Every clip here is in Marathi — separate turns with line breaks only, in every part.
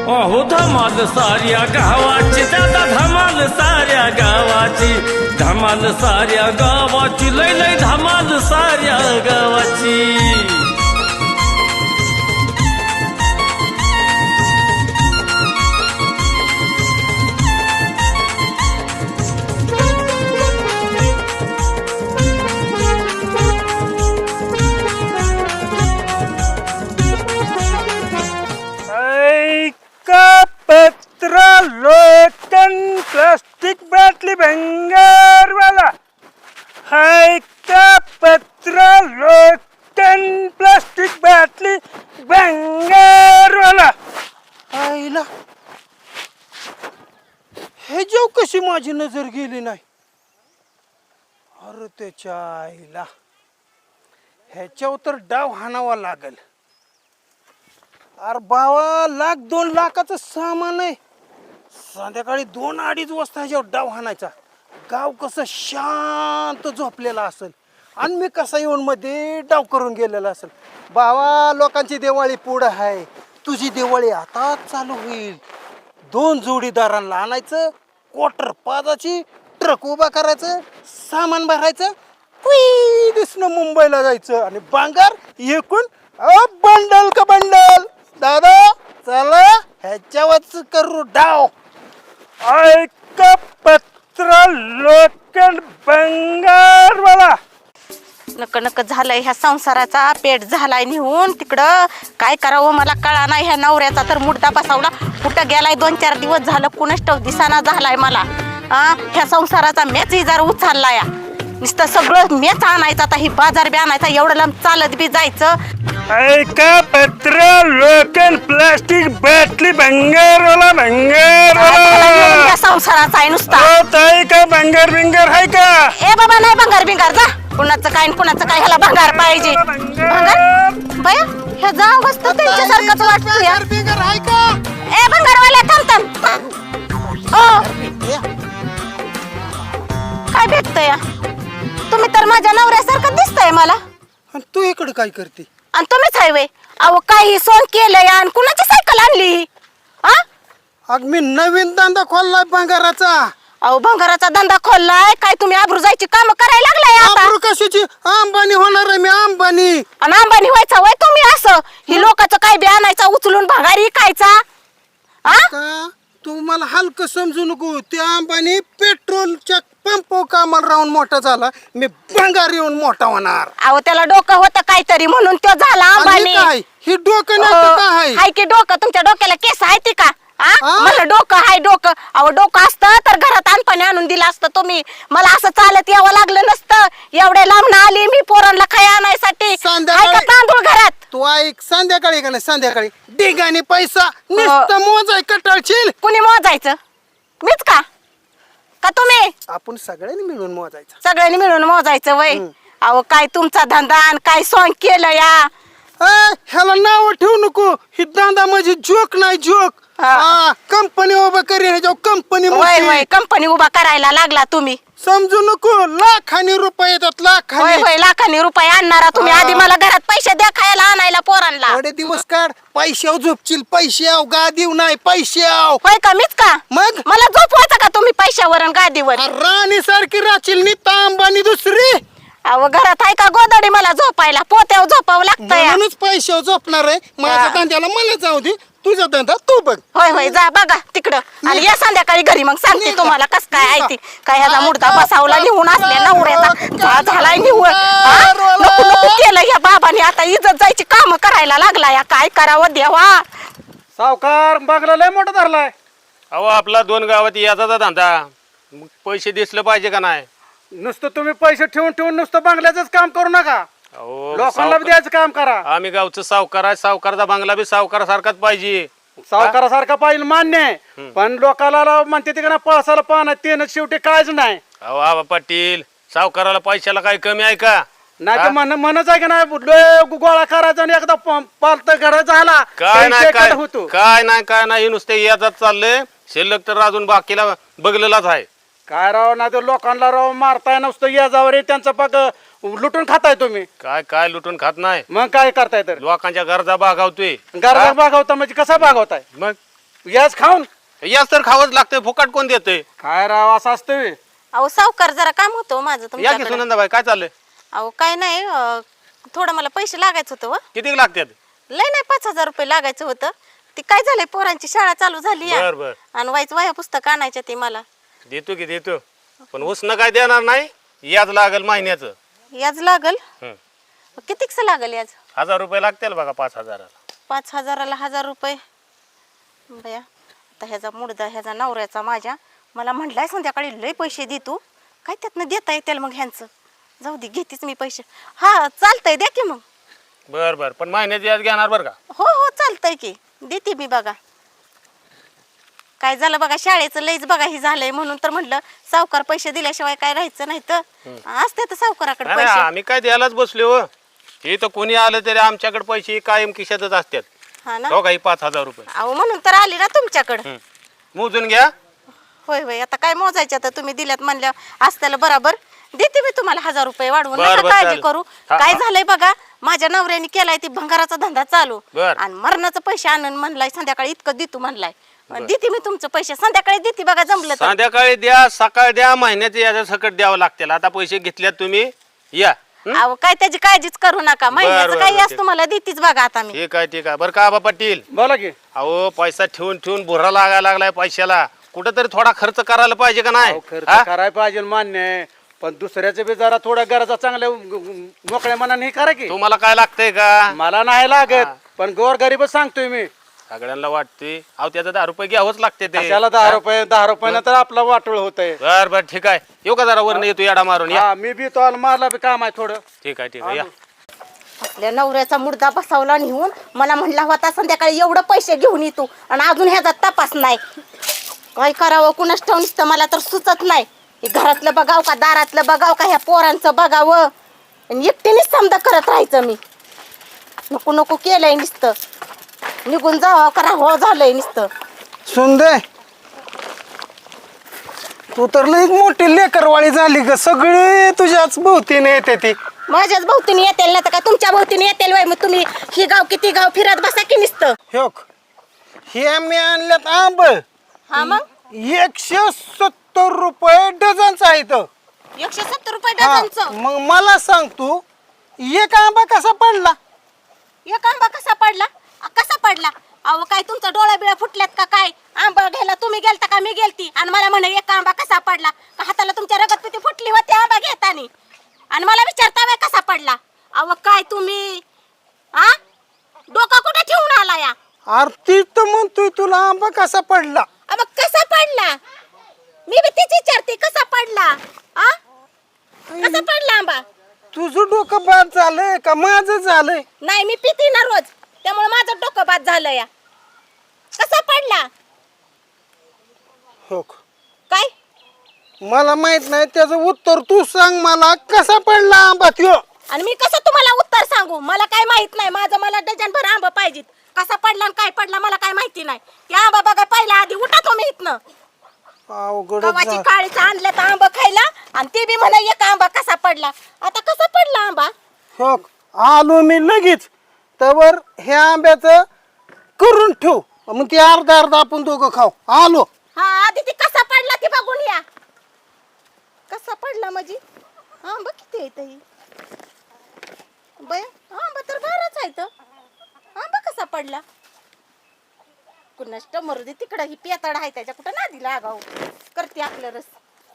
अहो धमाल साऱ्या गावाची दादा धमाल साऱ्या गावाची धमाल साऱ्या गावाची लय लय धमाल साऱ्या गावाची
पत्रा लोटन प्लास्टिक बाटली भंगारवाला हाय का पत्रा लोटन प्लास्टिक बाटली भंगारवाला आईला हे जेव कशी माझी नजर गेली नाही अरे त्याच्या आईला ह्याच्यावर तर डाव हाणावा लागल अरे बावा लाख 2 लाखाचं सामान आहे संध्याकाळी 2-2:30 वाजता ह्याच्यावर डाव हाणायचा गाव कसं शांत झोपलेला असेल आणि मी कसा येऊन मध्ये डाव करून गेलेला असेल बावा लोकांची दिवाळी पुढं आहे तुझी दिवाळी आता चालू होईल 2 जोडीदारांना आणायचं क्वार्टर पादाची ट्रक उभा करायचं सामान भरायचं कुई दिसणं मुंबईला जायचं आणि बांगार एकूण बंडल का बंडल दादा चला ह्याच्यावरच करू डाव ऐक पत्र लोकल बंगारवाला
नक नक झालंय ह्या संसाराचा पेट झालाय निहून तिकडं काय करावं मला कळा नाही ह्या नवऱ्याचा तर मुडदा बसावला कुठं गेलाय 2-4 दिवस झालं कुणष्ट दिसाना झालाय मला ह्या संसाराचा मेच जरा उचलला या नुसतं सगळं मेच आणायचं आता ही बाजार बी आणायचा एवढं लांब चालत बी जायचं
ऐका पत्र लोकल प्लास्टिक बाटली भंगारवाला भंगारवाला
संसाराचा आहे नुसता
ताई का भंगार बिंगार आहे का
ए बाबा नाही भंगार बिंगार जा कुणाचं काय ह्याला भंगार पाहिजे भंगार बया ह्या जा अवस्था त्यांच्यासारखंच वाटतं या
बिंगार आहे का
ए भंगारवाल्या थांब काय भेटतं या तुम्ही तर माझ्या नवऱ्यासारखं दिसतंय मला
तू इकडे काय करते
आणि तुम्हीच हायवे अहो काही सोन केलंय आणि कुणाची सायकल आणली
अग मी नवीन धंदा खोललाय भंगाराचा
अहो भंगाराचा धंदा खोललाय काय तुम्ही आबरू जायची काम करायला लागलाय आता
आबरू कशाची अंबानी होणार आहे मी अंबानी
आणि अंबानी व्हायचा वय तुम्ही असं ही लोकांचं काय बी आणायचा उचलून भंगार विकायचा
का तू मला हलकं समजू नको त्या अंबानी पेट्रोलच्या पंप कामाला राहून मोठा झाला मी भंगार येऊन मोठा होणार
अहो त्याला डोकं होतं काहीतरी म्हणून तो झाला अंबानी
काय ही डोकं नाही तर काय
हाय की डोकं तुमच्या डोक्याला केस आहे ती का मला डोकं हाय डोकं अहो डोकं असतं तर घरात आणपाणी आणून दिलं असतं तुम्ही मला असं चालत यावं लागलं नसतं एवढ्या लांब आली मी पोरांना खाय आणायसाठी तांदूळ घरात
तू ऐक संध्याकाळी का नाही संध्याकाळी डिगाने पैसा नुसतं मोजाय कटाळशील
कुणी मोजायचं मीच का तुम्ही
आपण सगळ्यांनी मिळून मोजायचं
सगळ्यांनी मिळून मोजायचं वय अहो काय तुमचा धंदा आणि काय सॉंग केलं या
ह्याला नाव ठेवू नको ही धंदा म्हणजे जोक नाही जोक कंपनी उभा करीन कंपनी
वय वय कंपनी उभा करायला लागला तुम्ही
समजू नको लाखांनी रुपये येतात
होय लाखांनी रुपये आणणारा तुम्ही आधी मला घरात पैसे द्या खायला आणायला पोरांना
थोडे दिवस काढ पैशाव झोपशील पैशाव गादीव नाही पैशाव
होय का मीच का
मग
मला झोपवायचं का तुम्ही पैशावर आणि गादीवर
राणी सारखी राहशील नी तांबानी दुसरी
अहो घरात आहे का गोदडी मला झोपायला पोत्यावर झोपावं लागतं
म्हणूनच पैशाव झोपणार आहे माझ्या धंद्याला मला जाऊ दे तुझा धंदा तू बघ
होय होय जा बघा तिकडं आणि या संध्याकाळी घरी मग सांगते तुम्हाला कस काय आहे ती काय ह्याचा मुर्दा बसावला निघून असले नवऱ्याचा झालाय निवड नको नको केलं या बाबाने आता इज्जत जायची काम करायला लागला या काय करावं देवा
सावकार बघला लय मोठा धरलाय
अहो आपला 2 गावात याचा धंदा पैसे दिसलं पाहिजे का नाही
नुसतं तुम्ही पैसे ठेवून ठेवून नुसतं बंगल्याच काम करू नका लोकांना द्यायचं काम करा
आम्ही गावचं सावकार आहे सावकारचा बंगला बी सावकारासारखाच पाहिजे
सावकारासारखा पाहिजे मान्य आहे पण लोकाला म्हणते ते का पळसाला पाहणं ते शेवटी कायच नाही
अहो आबा पाटील सावकाराला पैशाला काही कमी आहे का
नाही तर म्हणच आहे का नाही गोळा करायचा आणि एकदा पालत करायचा झाला
काय नाही काय नाही नुसते याचाच चाललंय शिल्लक तर अजून बाकीला बघलेलाच आहे
काय राव ना ते लोकांना राव मारताय नुसतं याजावर त्यांचं पाक लुटून खाताय तुम्ही.
काय काय लुटून खात नाही
मग काय करताय तर
लोकांच्या गरजा भागवतोय.
गरजा भागवता म्हणजे कसा भागवताय
मग
याच खाऊन
याच तर खावंच लागतंय, फुकट कोण देतंय?
काय राव असं असतं बे?
अहो सावकार जरा काम होतं माझं
या की
तुमच्याकडे.
सुनंदाबाई, काय चाललंय?
अहो काय नाही थोडं मला पैसे लागायचं होतं व.
किती लागतात?
लय नाही 5,000 रुपये लागायचं होतं. ते काय झालंय पोरांची शाळा चालू झाली
बर बर,
आणि वह्या पुस्तक आणायच्या ते मला.
देतो की देतो, पण उसनं काय देणार नाही, याच लागल महिन्याचं.
याज लागल.
हं.
कितीकच लागल याज?
1000 रुपये लागतील बघा 5000.
5,000ला 1,000 रुपये. बया आता ह्याचा मुडदा ह्याचा नवऱ्याचा माझ्या मला म्हटलाय संध्याकाळी लय पैसे दे तू. काय त्यातनं देता येतील मग ह्यांचं? जाऊ दे घेतीच मी पैसे. हा चालतंय द्या की मग.
बर बर, पण महिन्याची याच घेणार बरं का?
हो हो चालतंय की देते मी. बघा काय झालं बघा, शाळेचं लईच बघा ही झालंय म्हणून तर म्हटलं सावकार पैसे दिल्याशिवाय काय राहायचं नाही तर असते तर सावकाराकडे
नाही,
पैसे.
आम्ही काय द्यायलाच बसलो हो. हे तर कोणी आलं तरी आमच्याकडे पैसे कायम खिशातच असतात.
हा ना.
हो का, ही 5000 रुपये
अहो म्हणून तर आली ना तुमच्याकडे.
मोजून घ्या.
होय होय आता काय मोजायच्या तर तुम्ही दिल्यात म्हणल्या असत्याला बरोबर देते मी तुम्हाला 1,000 रुपये वाढवून.
बरं,
नका
बरं,
काळजी
चालेल.
करू.
हा,
काय
हा.
झालंय बघा, माझ्या नवऱ्याने केलाय ती भंगाराचा धंदा चालू
बरं.
आणि मरणाचं पैसे आणून म्हणलाय संध्याकाळी इतकं देतो म्हणलाय. देते मी तुमचं पैसे संध्याकाळी देते बघा जमलं तर.
संध्याकाळी द्या, सकाळ द्या, महिन्याचे याच्या सकट द्यावं लागतील. आता पैसे घेतल्यात तुम्ही, या.
अहो काय त्याची काळजीच करू नका. महिन्याचं
बरं,
काही
बरं,
असं तुम्हाला देतीच बघा आता मी.
ठीक आहे ठीक आहे. बरं का आबा पाटील,
बोला की.
अहो पैसा ठेवून ठेवून भुरा लागायला लागलाय पैशाला. कुठंतरी थोडा खर्च करायला पाहिजे का नाही?
खर्च
हा?
करायला पाहिजे मान्य आहे, पण दुसऱ्याचे बी जरा थोडा गरजा चांगल्या मोकळ्या मनाने हे करा की.
तुम्हाला काय लागतंय का?
मला नाही लागत, पण गोर गरीबच सांगतोय मी.
सगळ्यांना वाटते अहो त्याचं 10 रुपये घ्यावंच लागते ते.
त्याला 10 रुपये नंतर आपला वाटोळ होत आहे.
बर बर ठीक आहे. येऊ का जरा वरनं येतो याडा मारून या.
मी बी तो मारला बी काम आहे थोडं.
ठीक आहे ठीक आहे या.
आपल्या नवऱ्याचा मुर्दा बसवला नेऊन मला म्हणला होता संध्याकाळी एवढं पैसे घेऊन येतो आणि अजून ह्याचा तपास नाही. काय करावं कुणाच ठाऊक नुसतं मला तर सुचत नाही. हे घरातलं बघाव का दारातलं बघाव का ह्या पोरांचं बघावं आणि एकटीनेच समजा करत राहायचं मी. नको नको केलंय नुसतं निघून जावं करा हो झालंय नुसतं.
सुंदर तू तर लई मोठी लेकरवाळी झाली ग. सगळे तुझ्याच भोवतीने येते ती.
माझ्याच भोवतीने येतील ना तर का तुमच्या भोवतीने येतील वय. मग तुम्ही ही गाव किती गाव फिरत बसा की नुसतं.
हे मी आणल्यात आंब
हा मग
170 रुपये डझनचा आहे इथं.
170 रुपये
हा,
डझनचं.
मग मला सांग तू एक आंबा कसा पडला?
एक आंबा कसा पडला? कसा पडला? अहो काय तुमचा डोळा बिळा फुटल्यात का काय? आंबा घ्यायला तुम्ही गेलता का मी गेलती आणि मला म्हणे एक आंबा कसा पडला? का हाताला तुमच्या रगत पिती फुटली होती आंबा घेताना आणि मला विचारता बाय कसा पडला? अहो काय तुम्ही आ डोकं कुठे ठेवून आला या?
आरती तर म्हणतोय तुला आंबा कसा पडला.
मग कसा पडला? मी बी तीच विचारते कसा पडला? आ कसा पडला आंबा?
तुझं डोकं बाद झालंय का माझं झालंय?
नाही मी पिती ना रोज त्यामुळे माझं डोकं बाद झालं या. कसा पडला?
हो
काय
मला माहित नाही त्याचं उत्तर तू सांग मला. कसा पडला आंबा त्यो?
आणि मी कसं तुम्हाला उत्तर सांगू? मला काय माहित नाही. माझं मला डझन भर आंबा पाहिजेत. कसा पडला आणि काय पडला मला काय माहिती नाही. ते आंबा बघा पहिला आधी उठा तुम्ही इथनं.
अवघड
गव्हाची काळीचं आणलं तर आंबा खायला आणि ते बी म्हणा एक आंबा कसा पडला. आता कसा पडला आंबा?
हो आलो मी लगेच. तर ह्या आंब्याचं करून ठेव, मग ते अर्धा अर्धा आपण दोघं खाऊ. आलो.
हा आधी ती कसा पडला ती बघून या. कसा पडला म्हणजे आंबा किती आहे ही? बया आंबा तर बाराच आहे तर आंबा कसा पडला? कुणाष्ट मरुदे तिकडं ही पेताड आहे त्याच्या कुठं नादी लागाव करते आपलं रस.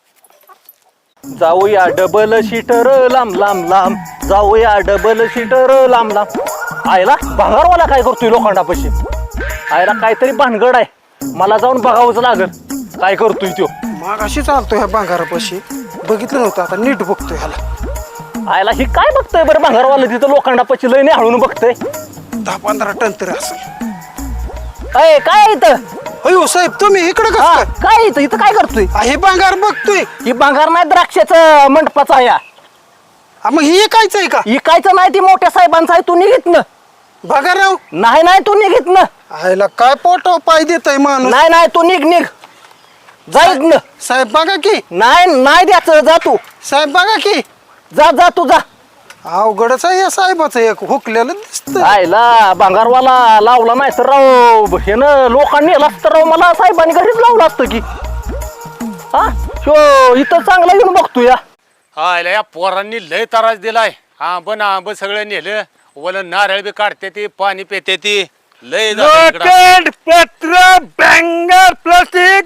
जाऊया डबल सीटर लांब लांब लांब, जाऊया डबल सीटर लांब लांब. आयला भंगारवाला काय करतोय लोखंडापाशी? आयला काहीतरी भानगड आहे, मला जाऊन बघावंच लागल काय करतोय तो.
मग अशी चालतो ह्या भांगारापाशी. बघितलं नव्हतं, आता नीट बघतोय ह्याला.
आयला ही काय बघतोय बरं भंगारवाला तिथं लोखंडापाशी लय नाही हळून बघतोय.
10-15 टन तरी असेल.
अय काय इथं?
अयो साहेब तुम्ही इकडे
हा,
कसं
काय इथं इथं काय करतोय?
हे भांगार बघतोय?
ही भांगार नाही द्राक्षाचं मंडपाचा या.
मग हे कायच आहे का?
इकायचं नाही ती मोठ्या साहेबांचं आहे. तू निघित ना.
भागाराव
नाही नाही तू निघित ना.
आयला काय पोटाव पाय देतय माणूस.
नाही नाही तू निघ निघ जाईत ना.
साहेब बघा की.
नाही नाही द्यायचं जा तू.
साहेब बघा की.
जा जा तू जा.
अवघडच आहे या साहेबाचं एक हुकलेलं दिसतं.
आयला भांगारवाला लावला नाही तर राव हे ना लोकांनी नेला तर राव मला साहेबांनी घरीच लावलं असतं की. हा शो इथं चांगला येऊन बघतो या.
हायला या पोरांनी लय त्रास दिलाय. आंब सगळं नेलं. वलं नारळ बी काढते ती, पाणी पिते ती. लय झालं इकडं.
लोखंड, पत्र, बँगर, प्लास्टिक,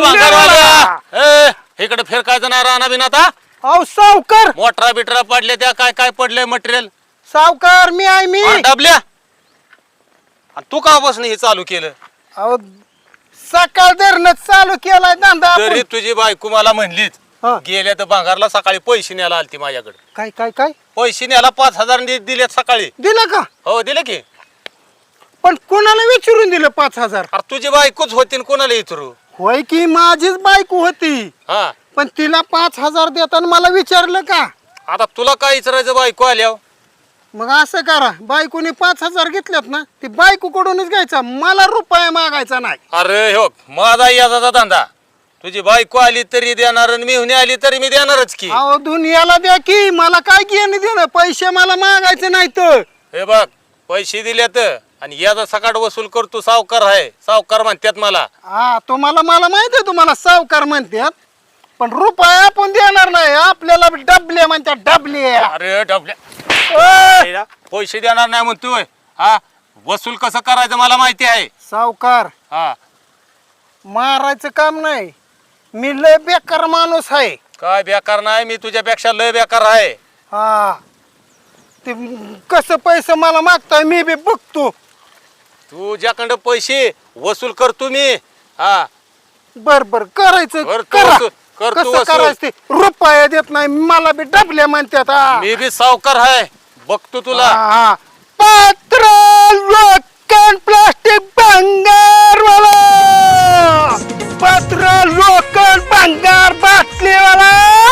इकडे फिरकायचं ना राणा बिना आता.
अहो सावकार,
मोटरा बिटरा पडले त्या, काय काय पडलंय मटेरियल
सावकार मी आहे मी.
डबल्या. आणि तू का बसणं हे चालू केलं?
अहो सकाळ धरणं चालू केलाय धंदा
तरी
आपण.
तुझी बायको मला म्हणलीच
हा.
गेल्या तर भांगारला सकाळी पैसे न्यायला आलती माझ्याकडे.
काय काय काय
पैसे न्यायला 5,000 दिलेत सकाळी.
दिलं का?
हो दिले की.
पण कोणाला विचारून दिलं 5,000?
अरे तुझी बायकोच होती न कोणाला विचारू?
होय की माझीच बायको होती,
हा
पण तिला 5,000 देताना मला विचारलं का?
आता तुला काय विचारायचं बायको आल्यावर?
मग असं करा, बायकोने 5,000 घेतल्यात ना, ती बायकोकडूनच घ्यायचा, मला रुपया मागायचा नाही.
अरे हो माझा याचा धंदा. तुझी बायको आली तरी देणार आणि मिळून आली तरी मी देणारच की.
अहो दुनियाला द्या की, मला काय घेणं देणं, पैसे मला मागायचे नाही तर.
हे बघ पैसे दिलेत आणि याचा सकाळ वसूल करतो. सावकार आहे, सावकार म्हणतात मला.
हा तुम्हाला मला माहिती आहे, तुम्हाला सावकार म्हणतात, पण रुपया आपण देणार नाही. आपल्याला डबले म्हणतात, डबले.
अरे डबल्या पैसे देणार नाही म्हणतोय. हा वसूल कसं करायचं मला माहिती आहे.
सावकार
हा
मारायचं काम नाही, मी लय बेकार माणूस आहे.
काय बेकार नाही, मी तुझ्यापेक्षा लय बेकार आहे.
हा ते कसं पैसे मला मागताय मी बी बघतो.
तुझ्याकडं पैसे वसूल करतो मी. हा
बर बर करायचं,
करतो
करा.
वसूल, करतो
कसं
वसूल.
करायचं ते, रुपया देत नाही, मला बी डबले म्हणतात. हा.
मी बी सावकार आहे, बघतो तुला.
हा. पत्र, लोखंड, प्लास्टिक, भंगारवाला. पत्र, लोखंड, भंगार, बाटलीवाला.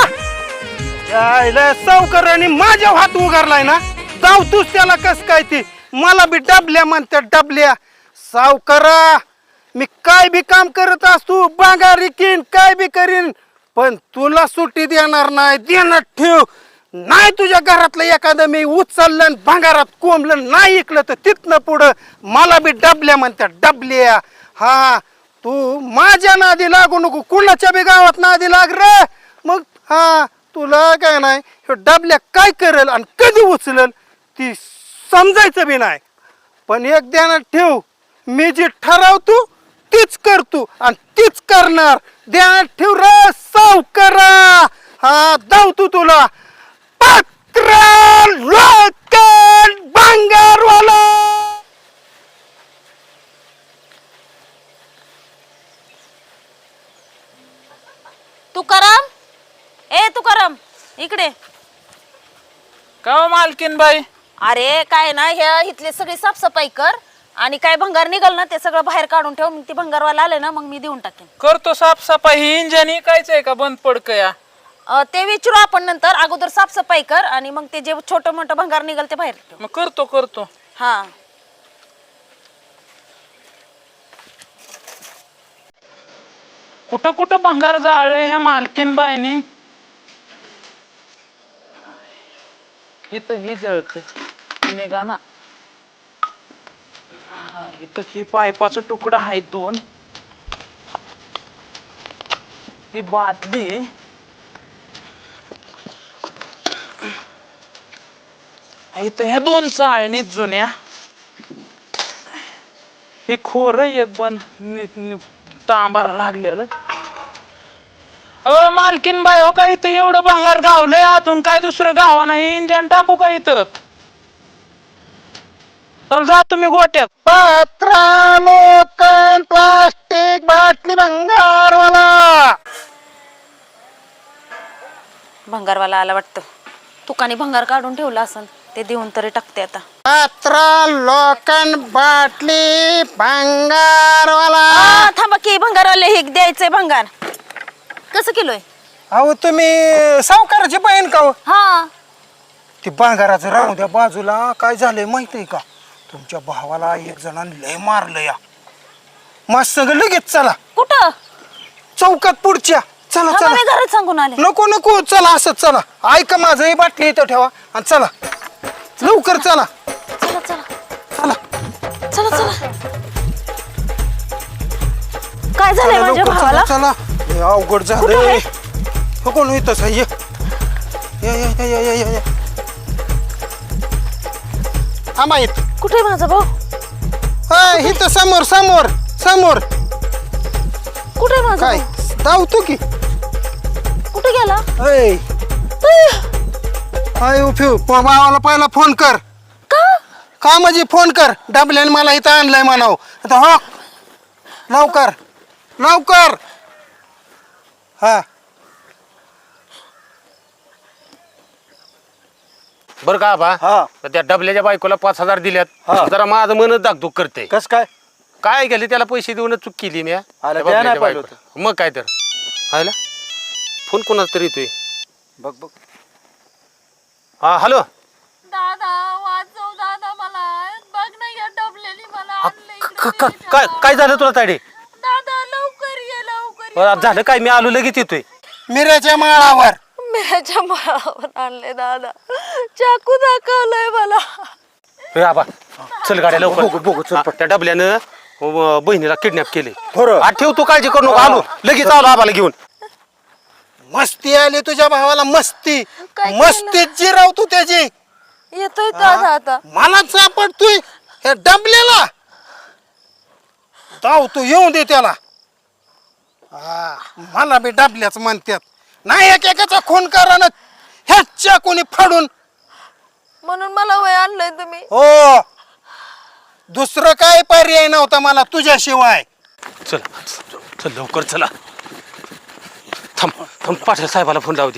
यायला सावकाराने माझ्या हात उगारलाय ना, धावतोच त्याला. कस काय ती मला बी डबल्या म्हणतात, डबल्या. सावकारा मी काय बी काम करत असतो, बांगारी किन काय बी करीन, पण तुला सुट्टी देणार नाही. देणार ठेव. नाही तुझ्या घरातलं एखादं मी उचललं भांगारात कोंबलं नाही ऐकलं तर तिथनं पुढं मला बी डबल्या म्हणतात, डबल्या. हा तू माझ्या नादी लागू नको, कुणाच्या बी गावात नादी लाग रे. मग हा तुला काय नाही, हे डबल्या काय करेल आणि कधी उचलेल ती समजायचं बी नाही. पण एक ध्यानात ठेव, मी जे ठरवतो तीच करतो आणि तीच करणार. ध्यानात ठेव रे सावकारा. हा धावतो तुला. पत्र, लोखंड, भंगारवाला.
तुकाराम, ए तुकाराम इकडे.
का मालकीन बाई?
अरे काय ना, ह्या इथली सगळी साफसफाई कर आणि काय भंगार निघाल ना ते सगळं बाहेर काढून ठेव. मग ती भंगारवाला आले ना, मग मी देऊन टाकेन.
करतो साफसफाई. ही इंजन इकायचंय का बंद पडक या?
ते विचारू आपण नंतर. अगोदर साफसफाई कर आणि मग ते जे छोटं मोठं भंगार निघाल ते बाहेर ठेव.
मग करतो.
हा
कुठं कुठं भंगार जाळे ह्या मालकीन बाईने. इथं ही जळत निघा ना. इथं ही पायपाचा तुकडा आहे 2. ही बादली. इथं ह्या 2 चाळणीत जुन्या. हे खोर एक पण तांबाला लागलेलं. मालकीन बाई हो, का इथं एवढं भंगार गावलंय, अजून काय दुसरं गावा नाही. इंजन टाकू का इथं? तर जा तुम्ही गोट्यात.
पत्र, लोखंड, प्लास्टिक, बाटली, भंगारवाला.
भंगारवाला आला वाटतं. तुकाने भंगार काढून ठेवला असन, ते देऊन तरी टाकते आता.
पत्र, लोखंड, बाटली, भंगारवाला.
थांबा की, भंगारवाले हे द्यायचंय भंगार. कसं किलो आहे?
अहो तुम्ही सावकाराची बहीण का हो?
हा
ती भंगाराचं राहू द्या बाजूला. काय झालंय माहित आहे का, तुमच्या भावाला एक जणांनी लय मारलं या. मस्त सगळं लगेच चला
कुठं?
चौकात पुढच्या. चला
थांबा,
चला.
मी घरात सांगून आले.
नको नको चला, असंच चला. ऐका माझं, ही बाटली इथं ठेवा आणि चला. लवकर चला
चला चला
चला
चला चला काय झालंय माझ्या
लवकर
भावाला
चला हे अवघड
कुठं
झालंय
आहे?
हो कोण येतच आहे या आम्हा येत
कुठे आहे माझा भाऊ
इथं समोर समोर समोर
कुठे आहे माझा
काय
भाऊ?
धावतो की
कुठे गेला
ऐ हाय उफिव भावाला पहिला फोन कर का म्हणजे फोन कर डबल्याने मला इथं आणलंय म्हणाव आता हो लवकर लवकर हा
बरं का बा
हा
तर त्या डबल्याच्या बायकोला 5,000 दिल्यात
हा.
जरा माझं मनच दागदुग करते
कस काय
काय गेले त्याला पैसे देऊन चूक केली मी
अरे
त्या
द्या
बबल्याच्या
नाही पाहिलं
बायकोला. मग काय तर हायला फोन कोणाचा तरी येतोय
बघ बघ
हा हॅलो
दादा वाचव दादा मला बघ ना या डबलेली मला आणलं इकडे
काय काय झालं तुला ताडे
दादा लवकर ये लवकर ये.
झालं काय मी आलो लगेच येतोय
मिऱ्याच्या माळावर
माझ्या माळावर आणले दादा चाकू दाखवलंय मला
ए आबा चल गाड्या लवकर
बघू, चल,
हा, त्या डबल्यानं बहिणीला किडनॅप केले
खरं?
ठेव तू काळजी करू नको आलो लगेच आलो आबाला घेऊन
मस्ती आली तुझ्या भावाला मस्ती
काय
मस्तीत जिराव तू त्याची
येतोय दादा आता
मला सापडतोय ह्या डबल्याला जाऊ तू येऊन दे त्याला हा मला बी डबल्याच म्हणतात नाही एकेकाचा खून करा ना ह्याच्या कोणी फाडून
म्हणून मला वय आणलंय तुम्ही
हो दुसरं काय पर्याय नव्हता मला तुझ्याशिवाय
चल चल लवकर चला थांब थांब पाटील साहेबाला फोन लावू दे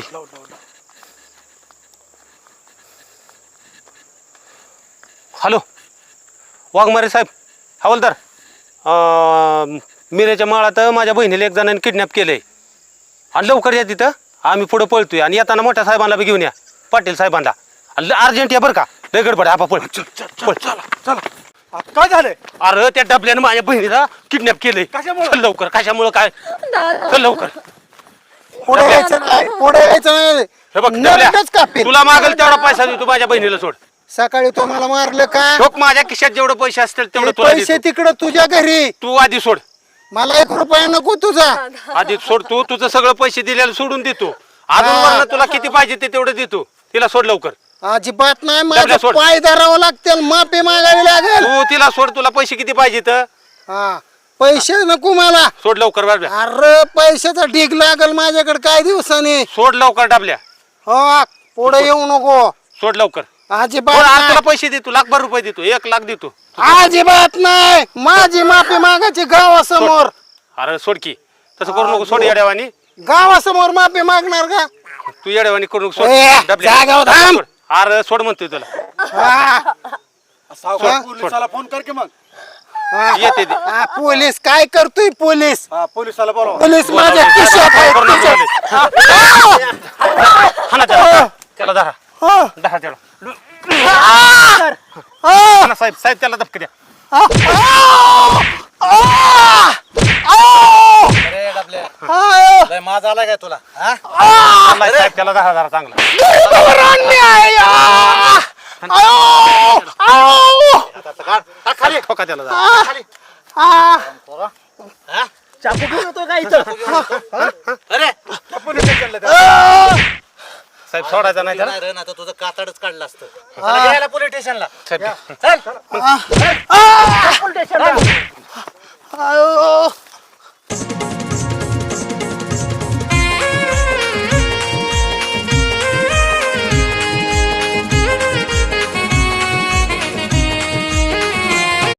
हॅलो वाघमारे साहेब हवालदार मिरेच्या माळात माझ्या बहिणीला एक जणांनी किडनॅप केलंय आणि लवकर या तिथं आम्ही पुढे पळतोय आणि येताना मोठ्या साहेबांना बी घेऊन या पाटील साहेबांना अर्जंट या बरं का लय गडबड आहे, आपा पळ पळ
काय झालंय
अरे त्या डबल्यानं माझ्या बहिणीला किडनॅप केलंय चल लवकर कशामुळं काय चल लवकर
पुढे यायचं नाही पुढे यायचं नाही
हे बघ
नरकच
डबल्या,
कापील.
तुला मागेल तेवढा पैसा देतो माझ्या बहिणीला सोड
सकाळी तो मला मारलं का
ठोक माझ्या खिशात जेवढे पैसे असतील तेवढं
ते
तुला
पैसे
देतो.
तिकडं तुझ्या घरी
तू आधी सोड
मला 1 रुपया नको तुझा
आधी सोड तू तुझं सगळं पैसे दिलेलं सोडून देतो अजून
हा.
वरनं तुला किती पाहिजे ते तेवढं देतो तिला सोड लवकर
अजिबात नाही
डबल्या
माझं
सोड.
पाय धरावं लागतील माफी मागावी लागेल
तू तिला सोड तुला पैसे किती पाहिजे तर
हा पैसे नको मला
सोड लवकर डबल्या
अरे पैशाचा ढीग लागल माझ्याकडे काय दिवसाने
सोड लवकर डबल्या
हो पुढे येऊ नको
सोड लवकर
अजिबात
सोड, आज
नाही.
तुला पैसे देतो 1,00,000 रुपये देतो 1,00,000 देतो
अजिबात नाही माझी माफी मागायची गावासमोर
अरे सोड की तसं करू नको सोड येड्यावानी
गावासमोर माफी मागणार का
तू येड्यावानी करू नको
ए,
सोड डबल्या.
जागावर थांब.
सोड. अरे सोड म्हणतोय तुला
हा,
सावकार पोलिसाला फोन कर की मग
हा.
येते ते.
हा, पोलीस काय करतोय पोलीस
हा पोलिसाला बोलवा
पोलीस माझ्या खिशात आहे,
करू नको
खिशात.
बोलायला. हाणा त्याला. त्याला धरा
हा,
धरा त्याला
हा,
हाणा साहेब साहेब त्याला धपके द्या
माझा आला काय तुला
हाणा साहेब त्याला धरा धरा चांगला खाली ठोका त्याला धरा.
चाकू घेऊन येतो का इथं
साहेब सोडायचा नाही त्याला
अरे ना तुझं कातडच काढलं असतं पोलीस स्टेशनला
साहेब
आयो